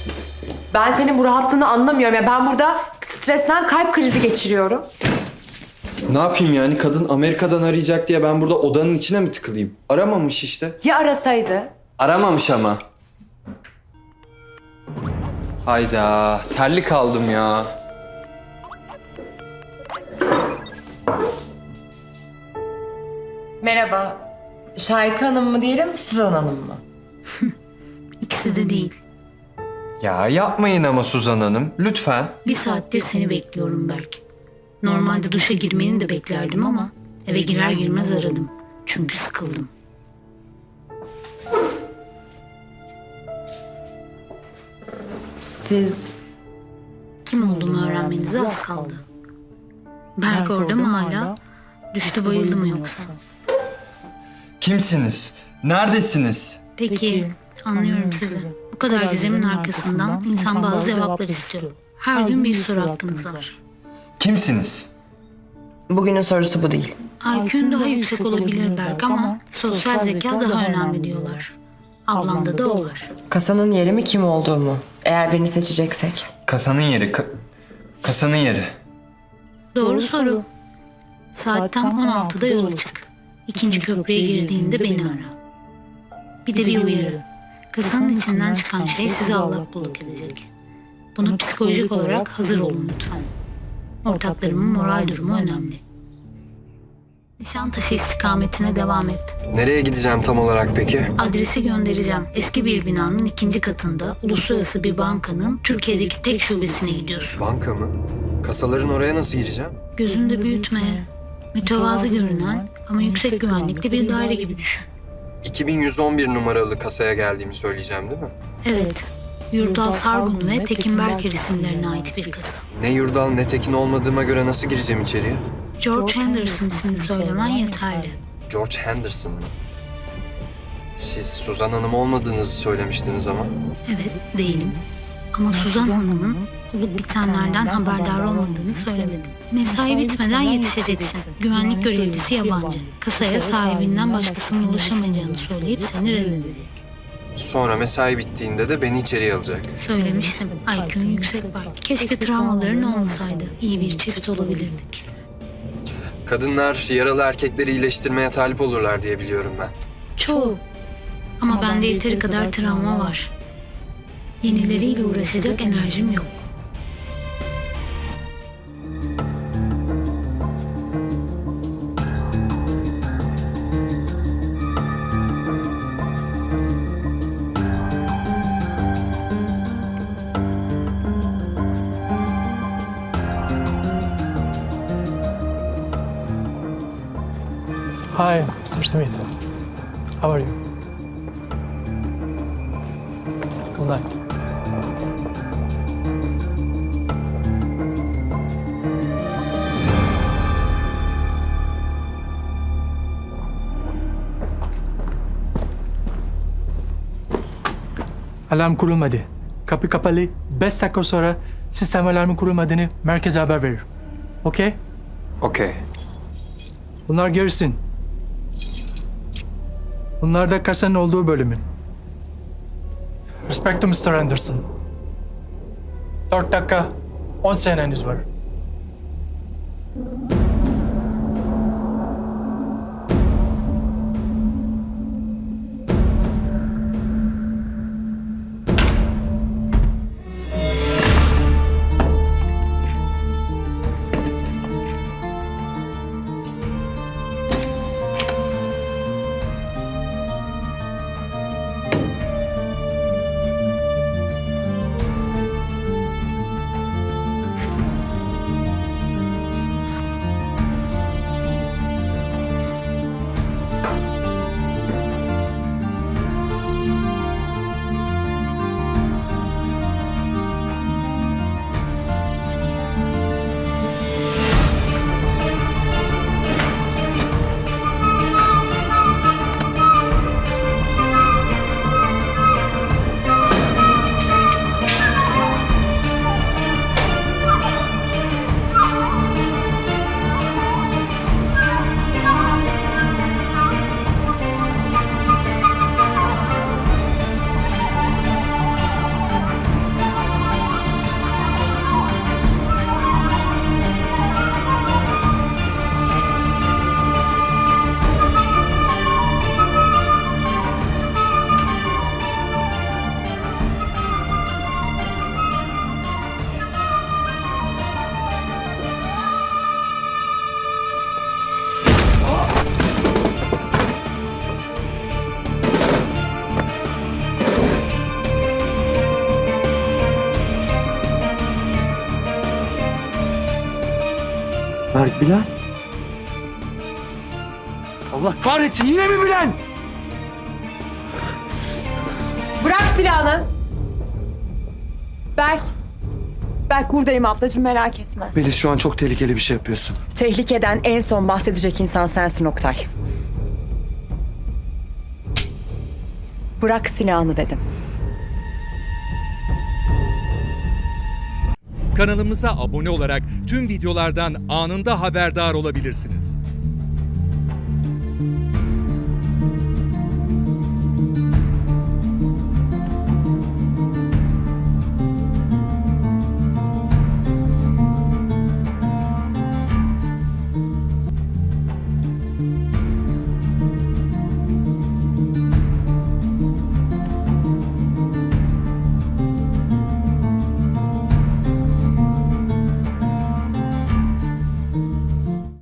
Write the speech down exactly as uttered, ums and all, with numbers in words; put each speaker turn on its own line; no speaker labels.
Ben senin bu rahatlığını anlamıyorum ya. Ben burada stresten kalp krizi geçiriyorum.
Ne yapayım yani? Kadın Amerika'dan arayacak diye ben burada odanın içine mi tıkılayım? Aramamış işte.
Ya arasaydı?
Aramamış ama. Hayda, terli kaldım ya.
Merhaba. Şahika Hanım mı diyelim, Suzan Hanım mı?
İkisi de değil.
Ya yapmayın ama Suzan Hanım, lütfen.
Bir saattir seni bekliyorum Berk. Normalde duşa girmeni de beklerdim ama eve girer girmez aradım. Çünkü sıkıldım.
Siz...
Kim olduğumu öğrenmenize az kaldı. Berk orada mı hala? Düştü bayıldı mı yoksa?
Kimsiniz? Neredesiniz?
Peki, anlıyorum sizi. Bu kadar gizemin arkasından insan bazı cevaplar istiyor. Her gün bir soru hakkınız var.
Kimsiniz?
Bugünün sorusu bu değil.
I Q'un daha yüksek olabilir Berk ama sosyal zeka daha önemli diyorlar. Ablanda da o var.
Kasanın yeri mi, kim olduğu mu? Eğer birini seçeceksek.
Kasanın yeri, ka- kasanın yeri.
Doğru soru. Saat tam on altıda yola çık. İkinci köprüye girdiğinde beni ara. Bir de bir uyarı. Kasanın içinden çıkan şey sizi allak bullak edecek. Buna psikolojik olarak hazır olun lütfen. Ortaklarımın moral durumu önemli. Nişantaşı istikametine devam et.
Nereye gideceğim tam olarak peki?
Adresi göndereceğim. Eski bir binanın ikinci katında uluslararası bir bankanın Türkiye'deki tek şubesine gidiyorsun.
Banka mı? Kasaların oraya nasıl gireceğim?
Gözünde büyütme. Mütevazı görünen ama yüksek güvenlikli bir daire gibi düşün.
iki bin yüz on bir numaralı kasaya geldiğimi söyleyeceğim değil mi?
Evet. Yurdal Sargun ve Tekin Berker isimlerine ait bir kasa.
Ne Yurdal ne Tekin olmadığıma göre nasıl gireceğim içeriye?
George Henderson ismini söylemen yeterli.
George Henderson mı? Siz Suzan Hanım olmadığınızı söylemiştiniz ama.
Evet, değilim. Ama Suzan Hanım'ın olup bitenlerden haberdar olmadığını söylemedim. Mesai bitmeden yetişeceksin. Güvenlik görevlisi yabancı. Kasaya sahibinden başkasının ulaşamayacağını söyleyip seni reddedecek.
Sonra mesai bittiğinde de beni içeriye alacak.
Söylemiştim. I Q'un yüksek var. Keşke travmaların olmasaydı. İyi bir çift olabilirdik.
Kadınlar yaralı erkekleri iyileştirmeye talip olurlar diye biliyorum ben.
Çoğu. Ama bende yeteri kadar travma var. Yenileriyle uğraşacak enerjim yok.
Hi, Mister Smith. How are you? Good night. Alarm kurulmadı. Kapı kapalı. Beş dakika sonra sistem alarmı kurulmadığını merkeze haber verir. Okey?
Okey.
Bunlar gerisin. Bunlar da kasanın olduğu bölümün. Respect to Mister Anderson. Dört dakika, on seneniz var.
Berk, Bilal. Allah kahretsin, yine mi Bilal?
Bırak silahını. Berk. Berk buradayım ablacığım, merak etme.
Melis, şu an çok tehlikeli bir şey yapıyorsun.
Tehlikeden en son bahsedecek insan sensin Oktay. Bırak silahını dedim.
Kanalımıza abone olarak tüm videolardan anında haberdar olabilirsiniz.